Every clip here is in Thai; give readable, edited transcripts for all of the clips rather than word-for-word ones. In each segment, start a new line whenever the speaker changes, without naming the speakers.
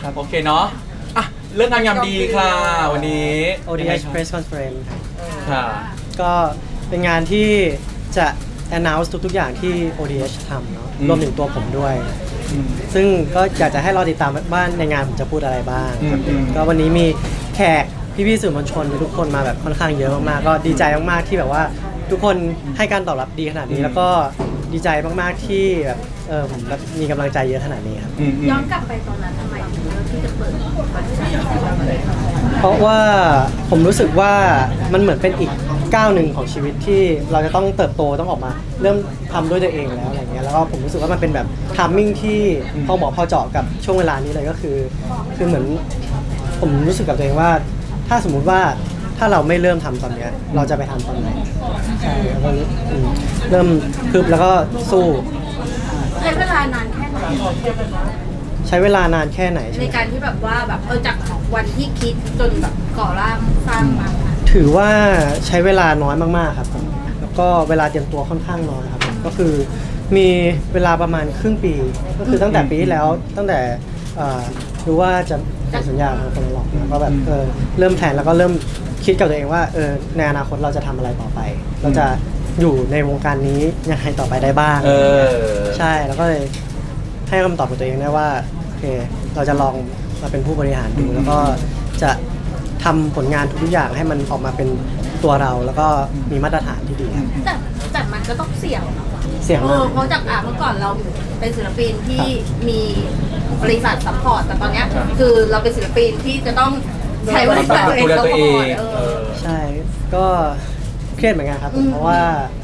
ครับ
โอเคเนาะอ่ะเรื่องงานยามดีค่ะวันนี้
ODH Press Conference ครับ
ค่ะ
ก็เป็นงานที่จะ announce ทุกๆอย่างที่ ODH ทำเนาะรวมถึงตัวผมด้วย ซึ่งก็อยากจะให้รอติดตามว่าในงานผมจะพูดอะไรบ้างครับก็วันนี้มีแขกพี่ๆสื่อมวลชนทุกคนมาแบบค่อนข้างเยอะมากๆก็ดีใจมากๆที่แบบว่าทุกคนให้การตอบรับดีขนาดนี้แล้วก็ดีใจมากๆที่แบบผมแบบมีกำลังใจเยอะขนาดนี้ครับ
ย้อนกลับไปตอนนั้นทำไมถึงเลือกที่จะเปิดบัตร
เพราะว่าผมรู้สึกว่ามันเหมือนเป็นอีกก้าวหนึ่งของชีวิตที่เราจะต้องเติบโตต้องออกมา เริ่มทำด้วยตัวเองแล้วอะไรเงี้ยแล้วก็ผมรู้สึกว่ามันเป็นแบบทามมิ่งที่พอเหมาะพอเจาะกับช่วงเวลานี้เลยก็คือเหมือนผมรู้สึกกับตัวเองว่า ถ้าสมมุติว่าถ้าเราไม่เริ่มทำตอนเนี้ยเราจะไปทำตอนไหนใช่แล้วก็เริ่มพึบแล้วก็สู้
ใช้เวลานานแค่ไหน
ใช้เวลานานแค่ไหนใช่
ใน
ไหม
การที่แบบว่าแบบจากวันที่คิดจนแบบก่อร่างสร้างมา
ถือว่าใช้เวลาน้อยมากๆครับผมแล้วก็เวลาเตรียมตัวค่อนข้างน้อยครับผมก็คือมีเวลาประมาณครึ่งปี ก็คือตั้งแต่ปีที่แล้วตั้งแต่รู้ว่าจะเซ็นสัญญากับคนหลอกนะก็แบบเริ่มแผนแล้วก็เริ่มคิดกับตัวเองว่าในอนาคตเราจะทำอะไรต่อไป เราจะอยู่ในวงการนี้ยังไงต่อไปได้บ้างใช่แล้วก็เลยให้คำตอบกับตัวเองได้ว่าโอเคเราจะลองมาเป็นผู้บริหารดูแล้วก็จะทำผลงานทุกอย่างให้มันออกมาเป็นตัวเราแล้วก็มีมาตรฐานที่ดีครับ
แต่มันก็ต้องเสี่ยงนะ
เสี่ยงมาก
เพราะจากเมื่อก่อนเราเป็นศิลปินที่มีบริษัทซัพพอร์ตแต่ตอนเนี้ยคือเราเป็นศิลปินที่จะต้องใช้บริษัทตัวเองซัพพอร์ต
ใช่ก็เครียดเหมือนกันครับเพราะว่า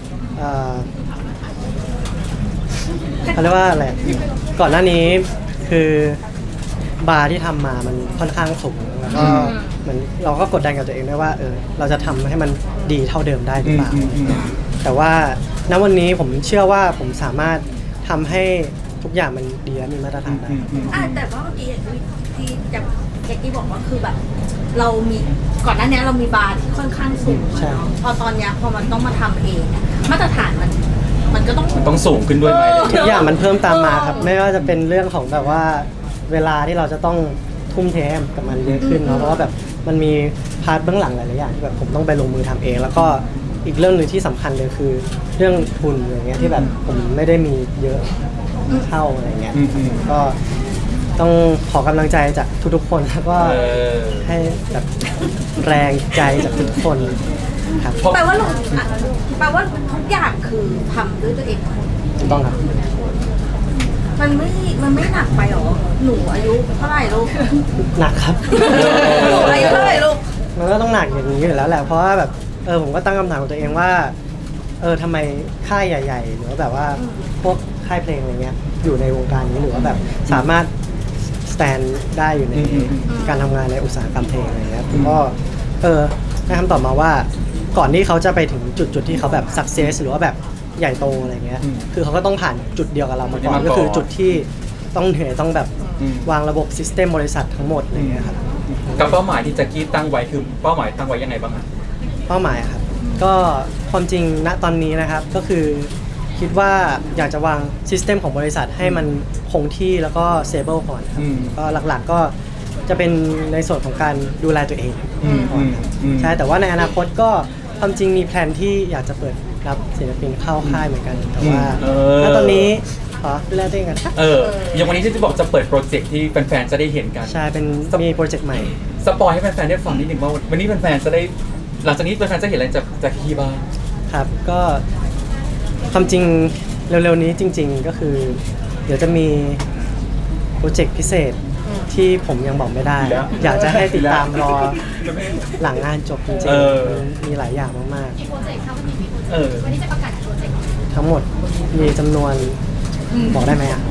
เขาเรียกว่าอะไรก่อนหน้านี้คือบาร์ที่ทำมามันค่อนข้างสูงแล้วก็เหมือนเราก็กดดันกับตัวเองด้วยว่าเราจะทำให้มันดีเท่าเดิมได้หรือเปล่าแต่ว่าณวันนี้ผมเชื่อว่าผมสามารถทำให้ทุกอย่างมันดีและมีมาตรฐานได้
แต่ว่าเมื่อกี้ที่จะแจ็คกี้บอกว่าคือแบบเรามีก่อนหน้านี้เรามีบาร์ที่ค่อนข้างสูงเนาะพอตอนเนี้ยพอมันต้องมาทำเองมาตรฐานมันก็ต้อง
สูงขึ้นด้วยไหม
ทุกอย่างมันเพิ่มตามมาครับไม่ว่าจะเป็นเรื่องของแบบว่าเวลาที่เราจะต้องทุ่มเทกับมันเยอะขึ้นเนาะเพราะว่าแบบมันมีพาร์ทเบื้องหลังหลายๆอย่างที่แบบผมต้องไปลงมือทำเอง แล้วก็อีกเรื่องหนึ่งที่สำคัญเลยคือเรื่องทุนอย่างเงี้ยที่แบบผมไม่ได้มีเยอะเท่าอะไรเงี้ยก็ต้องขอกำลังใจจากทุกๆคนแล้วก็ให้แบบแรงใจจากทุกคนครับ
แปลว่าทุกอย่างคือทำด้วยตัวเอง
ถูกต้องครับ
มันไม่หนักไปหรอหนูอายุเท่าไหร่ลูก
หนักครับ
หนูอายุเท่าไหร่ลูก
มันก็ต้องหนักอย่างนี้อยู่แล้วแหละเพราะว่าแบบผมก็ตั้งคำถามกับตัวเองว่าทำไมค่ายใหญ่ๆหรือว่าแบบว่าพวกค่ายเพลงอะไรเงี้ยอยู่ในวงการนี้หรือว่าแบบสามารถ stand ได้อยู่ในการทำงานในอุตสาหกรรมเพลงอะไรเงี้ยผมก็ได้คำตอบมาว่าก่อนที่เขาจะไปถึงจุดที่เขาแบบ success หรือว่าแบบใหญ่โตอะไรเงี้ยคือเขาก็ต้องผ่านจุดเดียวกับเรามาก่อนก็คือจุดที่ต้องเหนื่อยต้องแบบวางระบบซิสเต็มบริษัททั้งหมดอะไรเงี้ยครับ
กับเป้าหมายที่แจ็คกี้ตั้งไว้คือเป้าหมายตั้งไว้ยังไงบ้างครับ
เป้าหมายครับก็ความจริงณตอนนี้นะครับก็คือคิดว่าอยากจะวางซิสเต็มของบริษัทให้มันคงที่แล้วก็เซเบิลก่อนครับก็หลักๆก็จะเป็นในส่วนของการดูแลตัวเองก่อนครับใช่แต่ว่าในอนาคตก็ความจริงมีแพลนที่อยากจะเปิดรับศิลปินเข้าค่ายเหมือนกันแต่ว่าณตอนนี้ขอดูแลตัวเองกันครับ
อย่างวันนี้ที่จะบอกจะเปิดโปรเจกต์ที่แฟนๆจะได้เห็นกัน
ใช่เป็นมีโปรเจกต์ใหม่
สปอยให้แฟนๆได้ฟังนิดหนึ่งว่าวันนี้แฟนๆจะได้หลังจากนี้แฟนๆจะเห็นอะไรจากคีบ้าง
ครับก็ความจริงเร็วๆนี้จริงๆก็คือเดี๋ยวจะมีโปรเจกต์พิเศษที่ผมยังบอกไม่ได้ อยากจะให้ติดตามรอหลังงานจบจริงๆมีหลายอย่างมาก
กี่โปรเจกต์คะวันนี้จะประกาศโปรเจกต์
ๆทั้งหมดมีจำนวนบอกได้ไหมอ่ะ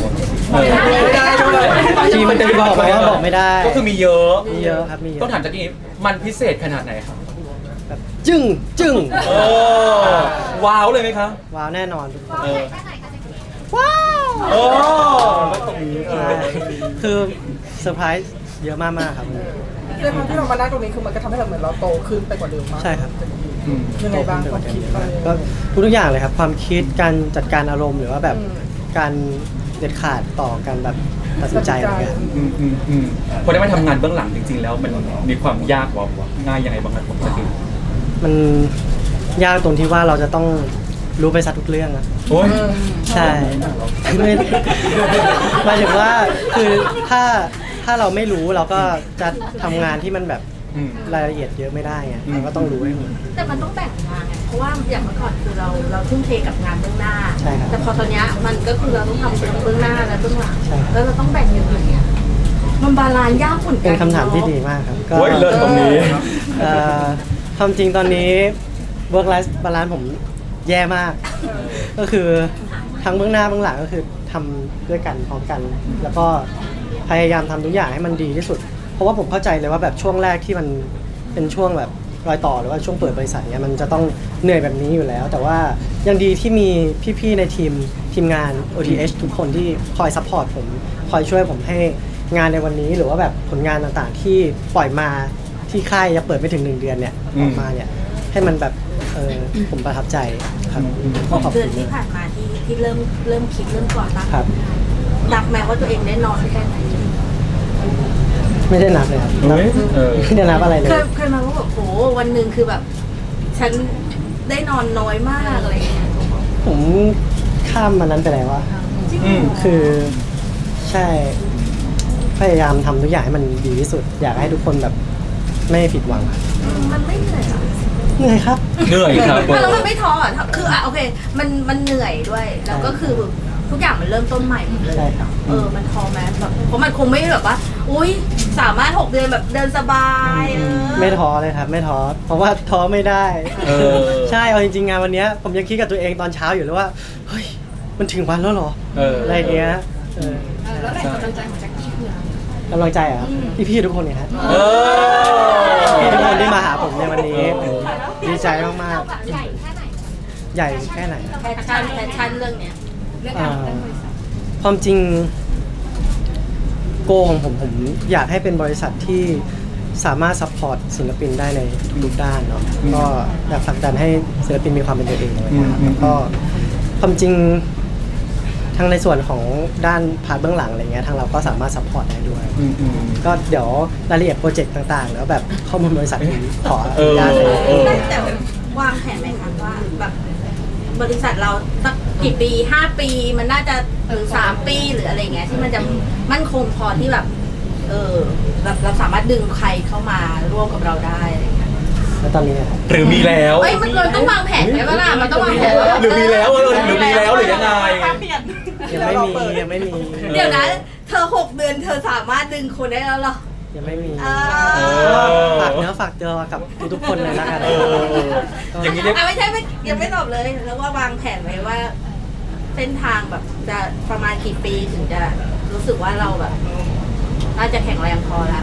ทีมันจะบอกไหมว่าบอกไม่ได้
ก็คือมีเยอะ
ครับมีเยอะ
ต้องถามจากนี้มันพิเศษขนาดไหนครับ
แบบจึ้ง
ว้าวเลยไหมครับ
ว้าวแน่นอนทุกคน
แค่ไหนคะเจ๊กี้
ว้าว
ตรงนี้
คือเซอร์ไพรส์เยอะมากๆครับ
ด้วยความที่เรามานั่งตรงนี้คือมันก็ทำให้เราเหมือนเราโตขึ้นไปกว่าเดิมมาก
ใช่ครับ
ยังไงบ้างความคิดอะไร
ก็ทุกอย่างเลยครับความคิดการจัดการอารมณ์หรือว่าแบบการเด็ดขาดต่อการแบบตัดสินใจอะไรเงี้ย
พอได้มาทำงานเบื้องหลังจริงๆ แล้วมันมีความยากกว่าง่ายยังไงบ้างครับผมจะคือ
มันยากตรงที่ว่าเราจะต้องรู้ไปซะทุกเรื่องอะ
โอ้ย
ใช่คือไม่หมายถึงว่าคือถ้าเราไม่รู้เราก็จะทำงานที่มันแบบรายละเอียดเยอะไม่ได้ไงเราก็ต้องรู้ให้หมด
แต่มันต้องแบ่งงานไงเพราะว่าอย่างเมื่อก่อนคือเราทุ่มเทกับงานเบื้องหน้า
ใช่ครับ
แต่พอตอนเนี้ยมันก็คือเราต้องทำทั้งเบื้องหน้าและเบื้องหลัง
ใช่ครับ
แล้วเราต้องแบ่งอย่างเงี้ยมันบาลานซ์ยากเหมือนกั
เป็นคำถามที่ดีมากครับก็
โอ้ยเลิศตรงนี้
ความจริงตอนนี้ work life balance ผมแย่มาก ก็คือทั้งเบื้องหน้าเบื้องหลังก็คือทำด้วยกันพร้อมกัน แล้วก็พยายามทำทุกอย่างให้มันดีที่สุด เพราะว่าผมเข้าใจเลยว่าแบบช่วงแรกที่มันเป็นช่วงแบบรอยต่อหรือว่าช่วงเปิดบริษัทเนี่ยมันจะต้องเหนื่อยแบบนี้อยู่แล้ว แต่ว่ายังดีที่มีพี่ๆในทีมงาน OTH ทุกคนที่คอยซัพพอร์ตผมคอยช่วยผมให้งานในวันนี้หรือว่าแบบผลงานต่างๆ ที่ปล่อยมาที่ค่ายยังเปิดไม่ถึง1 เดือนเนี่ยออกมาเนี่ยให้มันแบบผมประทับใจครับก็ขอบ
เดื
คุ
อน
ณ
ที่ผ่านมาที่เริ่มคิดเริ่มก่อตั้ง
ครับ
นับแม้ว่าตัวเองได้นอนแค่ไหน
ไม่ได้นับเลยครับนับไม่ได้นับอะไรเลย
เคยมาว่าแบบโหวันหนึ่งคือแบบ ฉันได้นอนน้อยมากอะไรอย่างเงี้ย
ผมข้ามมันนั้นไปแล้วว่า
จริงเหรอ
คือใช่พยายามทำทุกอย่างให้มันดีที่สุด อยากให้ทุกคนแบบไม่ผิดหวังครับ
มันไม่เหนื่อยเหรอ
เหนื่อยครับ
เหนื่อยครับ
แล้วมันไม่ท้ออ่ะคือโอเคมันเหนื่อยด้วยแล้วก็คือทุกอย่างมันเริ่มต้นใหม่หมดเลย
ใช่ครับ
มันท้อไหมแบบเพราะมันคงไม่แบบว่า อุ้ยสามารถ6 เดือนแบบเดินสบาย
ไม่ท้อเลยครับ ไม่ท้อเพราะว่าท้อไม่ได้
เออ
ใช่เอาจริงๆงานวันเนี้ยผมยังคิดกับตัวเองตอนเช้าอยู่เลยว่าเฮ้ยมันถึงวันแล้วเหรอ อะไรอย่างเงี้ยใช่
แล้วแรงกำลังใจของแจ็คกี้คืออะไร
กำลังใจอ่ะพี่ๆทุกคนเนี่ยฮะ
เออ
พี่ทุกคนที่มาหาผมในวันนี้ดีใจมาก
เราแบบใหญ่แค่ไหน
ๆใหญ่แค่ไหนอะ
แพชชั่นเรื่องเนี้ย
เรื่องการเรื่องบริษัท
ความจริงโกของผมอยากให้เป็นบริษัทที่สามารถซัพพอร์ตศิลปินได้ในทุกๆด้านเนาะก็อยากผลักดันให้ศิลปินมีความเป็นตัวเองอะไรเงี้ยครับแล้วก็ความจริงทางในส่วนของด้านพาร์ทเบื้องหลังอะไรเงี้ยทางเราก็สามารถซัพพอร์ตได้ด้วย ก็เดี๋ยวรายละเอียดโปรเจกต์ต่างๆ แล้วแบบข้อมูลบริษัทผมขออนุญาตเลย
แต่วางแผนไหมคะว่าแบบบริษัทเราสักกี่ปี5 ปีมันน่าจะหรือ3 ปีหรืออะไรเงี้ยที่มันจะมั่นคงพอที่แบบแบบเราสามารถดึงใครเข้ามาร่วมกับเราได้อะไรเงี้ย
แล้วตอนนี้นะครับ
หรือมีแล้ว
เอ้ยมันเราต้องวางแผนไหมล่ะมันต้องวางแผน
หรือมีแล้วหรือมีแล้วหรือยังไง
ยังไม่มี
เดี๋ยวนะเธอ6 เดือนเธอสามารถดึงคนได้แล้วเหรอ
ยังไม่มี
อ่า
ฝากเนื้อฝากตัวกับทุกๆคนเลยแล้วกัน
อย่างนี้เรียก
ไม่ใช่ยังไม่ตอบเลย แล้วว่าวางแผนไว้ว่า เส้นทางแบบจะประมาณกี่ปีถึงจะรู้สึกว่าเราแบบน่าจะแข็งแรงพอละ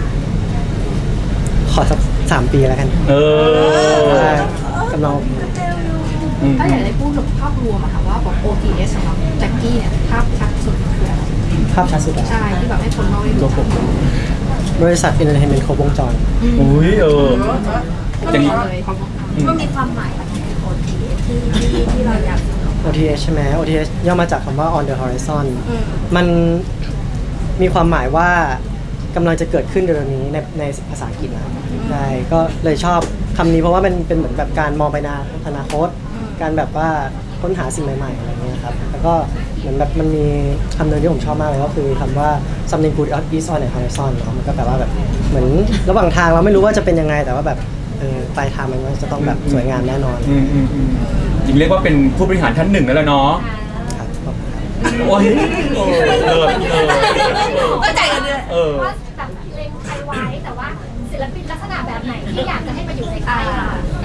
ขอสัก3 ปีแล้วกัน ว่ากำลัง
ถ้าอยากได้พูดถึงภาพรวมอะค่ะว่าของ OTS สำหรับแจ็คกี้เนี่ยภาพชัดสุดคืออะไร
ภาพชัดสุดอะ
ใช่ที่แบบให้คนนอกได้รู้จัก
บริษัท Entertainment ครบวงจร
อุ้ยอย่างนี้
เลย
มันมีความหมายอะไรโอทีที่เราอยาก
OTH ใช่ไหม OTH ย่อมาจากคำว่า On the Horizon
อืม
มันมีความหมายว่ากำลังจะเกิดขึ้นเร็วๆนี้ในภาษาอังกฤษนะใช่ก็เลยชอบคำนี้เพราะว่ามันเป็นเหมือนแบบการมองไปในอนาคต การแบบว่าค้นหาสิ่งใหม่ๆอะไรเงี้ยครับแล้วก็เหมือนแบบมันมีคำหนึ่งที่ผมชอบมากเลยก็คือคำว่า something good is on the horizon เนาะมันก็แปลว่าแบบเหมือนระหว่างทางเราไม่รู้ว่าจะเป็นยังไงแต่ว่าแบบปลายทางมันก็จะต้องแบบสวยงามแน่นอน
จริงเรียกว่าเป็นผู้บริหารท่านหนึ่งแล้วเนาะ
ครับขอบคุณครับ
โอ้ยเลิศ
ก็ใจกันเลย
ว่าแบบเล็งใครไว้แต่ว่าศิลปินลักษณะแบบไหนที่อยากจะให้มาอยู่ในค่ายเรา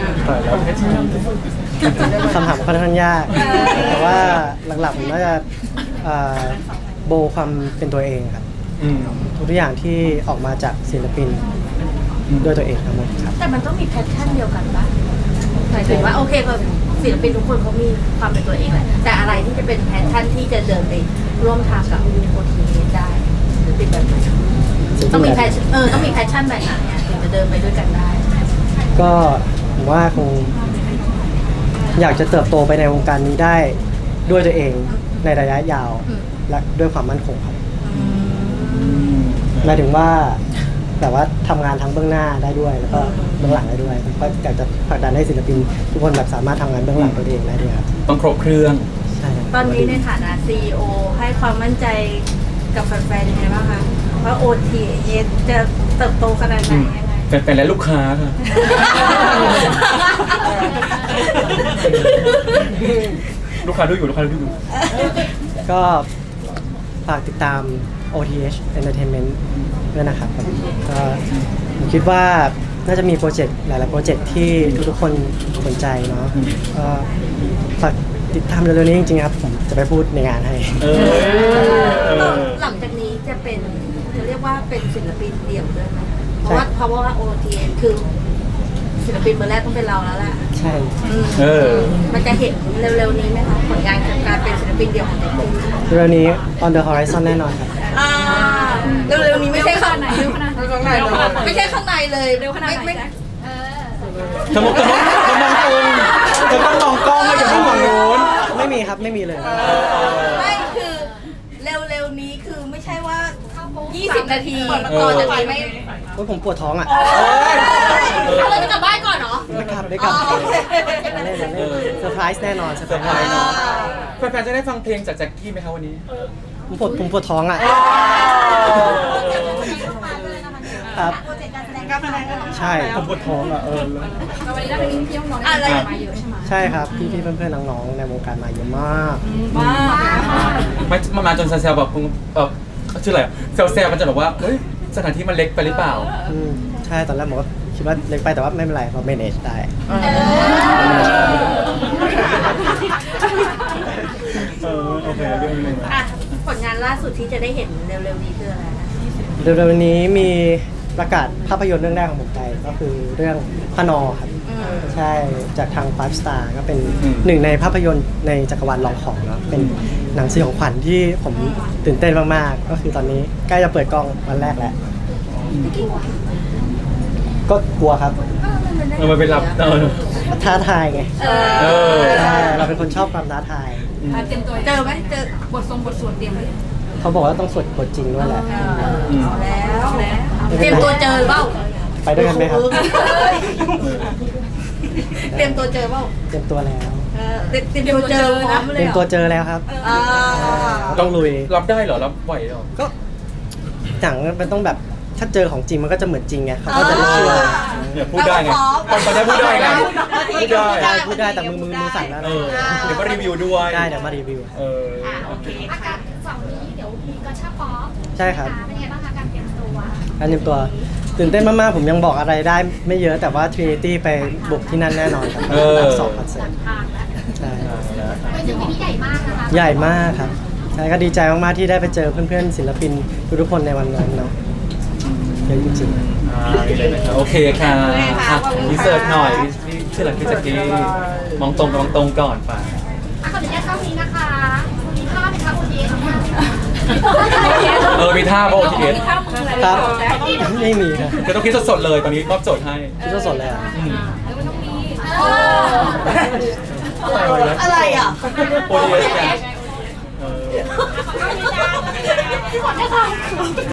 คำถามค่อนข้างยาก แต่ว่าหลักๆผมน่าจะโบความเป็นตัวเองครับทุกอย่างที่ออกมาจากศิลปินด้วยตัวเองทั้งหมดครับ
แต่มันต้องมีแพชชั่นเดียวกันปะหมายถึงว่าโอเคพอศิลปินทุกคนเขามีความเป็นตัวเองแหละแต่อะไรที่จะเป็นแพชชั่นที่จะเดินไปร่วมทางกับโอทีได้หรือเป็นแบบไหนต้องมีแพชต้องมีแพชชั่นแบบไหนอ่ะถึงจะเดินไปด้วยกันได้
ก็ผมว่าคงอยากจะเติบโตไปในวงการนี้ได้ด้วยตัวเองในระยะยาวและด้วยความมั่นคงครับหมายถึงว่าแบบว่าทำงานทั้งเบื้องหน้าได้ด้วย แล้วก็เบื้องหลังได้ด้วยผมก็อยากจะผลักดันให้ศิลปินทุกคนแบบสามารถทำงานเบื้องหลังตัวเองได้ด้วยครับ
ต้องครบเครื่อง
ใช่ครับ
ตอนนี้ในฐานะ CEO ให้ความมั่นใจกับแฟนๆยังไงบ้างคะว่า OTS จะเติบโตขนาดไหนยังไง
แฟนๆและลูกค้าค่ะ ลูกค้าดูอยู่ลูกค้าดูอยู่
ก็ฝากติดตาม OTH Entertainment ด้วยนะครับก็ผมคิดว่าน่าจะมีโปรเจกต์หลายๆโปรเจกต์ที่ทุกๆคนสนใจเนาะก็ฝากติดตามเร็วๆนี้จริงๆครับผมจะไปพูดในงานให้
หลังจากนี้จะเป็นจะเรียกว่าเป็นศิลปินเดี่ยวด้วยไหมเพราะว่า OTS คือศิลปินเบอร์แรกต้องเป็นเราแล้วแหละ
ใช่
มันจะเห็นเร็วๆนี้ไหมคะผลงานของการเป็นศิลปินเดี่ยวของเด็ก
เร็วๆนี้ On the Horizon แน่นอนครับ
เร็วๆนี้ไม่ใช่ข้างใน
เร็วขนาดไหน
ข้างในเลย
ไม่ใช่ข้างในเลย
เร็วขนาดไหน
ไม่
แจ็ค
เธอมองมองกล้องไม่อย่ามองฝั่งโน้น
ไม่มีครับไม่มีเลย
ไม่คือเร็วๆนี้คือไม่ใช่ว่า 20 นาทีต่อจากนี้ไม่
โอ้ยผมปวดท้องอ่ะ
เราจะกลับบ้านก่อนเหรอ
ไม่กลับไม่กลับ
อ๋อโอเค
เล่นเซอร์ไพรส์แน่นอนเซอร์ไพรส์
เซอร์ไพรส์
แน่นอน
แฟนๆจะได้ฟังเพลงจากแจ็คกี้ไหมคะวันนี้
ผมปวดท้องอ่ะครับใช่ผมปวดท้องอ่ะ
แล้ววันนี้ได้ไปกินที่น้องๆได้มาเยอะใช่ไหม
ใช่ครับพี่ๆเพื่อนๆน้องๆในวงการมาเยอะมาก
มาก
มาจนแซวๆแบบชื่ออะไรแซวๆมันจะแบบว่าเฮ้ยสถานที่มันเล็กไปหรือเปล่า
ใช่ตอนแรกผมก็คิดว่าเล็กไปแต่ว่าไม่เป็นไรเรา manage ได้
โอเคเรื่องนึง
อ่ะผลงานล่าสุดที่จะได้เห็นเร็วๆนี้คืออะไรนะ
เร็วๆนี้มีประกาศภาพยนตร์เรื่องแรกของผมไปก็คือเรื่องพนอครับใช่จากทาง Five Star ก็เป็นหนึ่งในภาพยนตร์ในจักรวาลลองของเนาะเป็นหนังสยองขวัญที่ผมตื่นเต้นมากๆ ก็คือตอนนี้ใกล้จะเปิดกล้องวันแรกแล้ว ก็กลัวครับ
มันเป็นรับ
ท้าทายไง
เออ
ใช่เราเป็นคนชอบความท้าทาย
เตรียมตัว
เจอไหมเจอบ
ทสวดเตรียมไว้
เขาบอกว่าต้องสวดบทจริงด้วยแหละ
แล้วเตรียมตัวเจอเปล่า
ไปด้วยกันไหมครับ
เตรียมตัวเจอเปล่า
เตรียมตัวแล้ว
เตรียมตัวเจอพร้อม
เต
เล
รี
ย
ยม
เหร
ตัว
อ
เจอแล้วครับ ต้องลุย
รับได้เหรอรับไหวเหรอ
ก็หนังมันต้องแบบถ้าเจอของจริงมันก็จะเหมือนจริงไงเขาก็จะได้เชื่อ
เนี่ยพูดได้ไงตอนนี้พูดได้ไงพูดได้
พูดได้แต่มือสั่นแล้ว
เอ
นะ
อเดี๋ยวมารีวิวด้วย
ได้เดี๋ยวมารีวิว
เออ
โอเค
อากาศเสาร์นี้เดี๋ยวมีกระชับป๊อป
ใช่ครับ
เป็นไงบ้างคะการเตรียมตัว
การเตรียมตัวตื่นเต้นมากๆผมยังบอกอะไรได้ไม่เยอะแต่ว่า Trinity ไปบุกที่นั่นแน่นอนครับสองคอนเสิร์ต
ทางแล้ว
ใช่
เป็นสิ่งที่ใหญ่มากนะคะ
ใหญ่มากครับใช่ก็ดีใจมากๆที่ได้ไปเจอเพื่อนๆศิลปินทุกๆคนในวันนั้นเนาะเยอะจริงๆ
นี่เลยนะครับโอเคค่ะรีเสิร์ชหน่อยนี่ชื่ออะไรพี่แจ็คกี้มองตรงก่อนไป
ขออนุญาตเข้านี้นะคะมีภาพไหมคะคุณเดีย
มีท่าโบทีเอส
ข้าวมืออะไร
ครับ
แจ็ค
ไม่มีครับ
จะต้องคิดสดๆเลยตอนนี้มอบโจทย์ให้
คิดสดๆเลยอ่ะ
แล้วมันต้องมี
อะไรอ่ะ
โอทีเอสไง
ขออนุญาต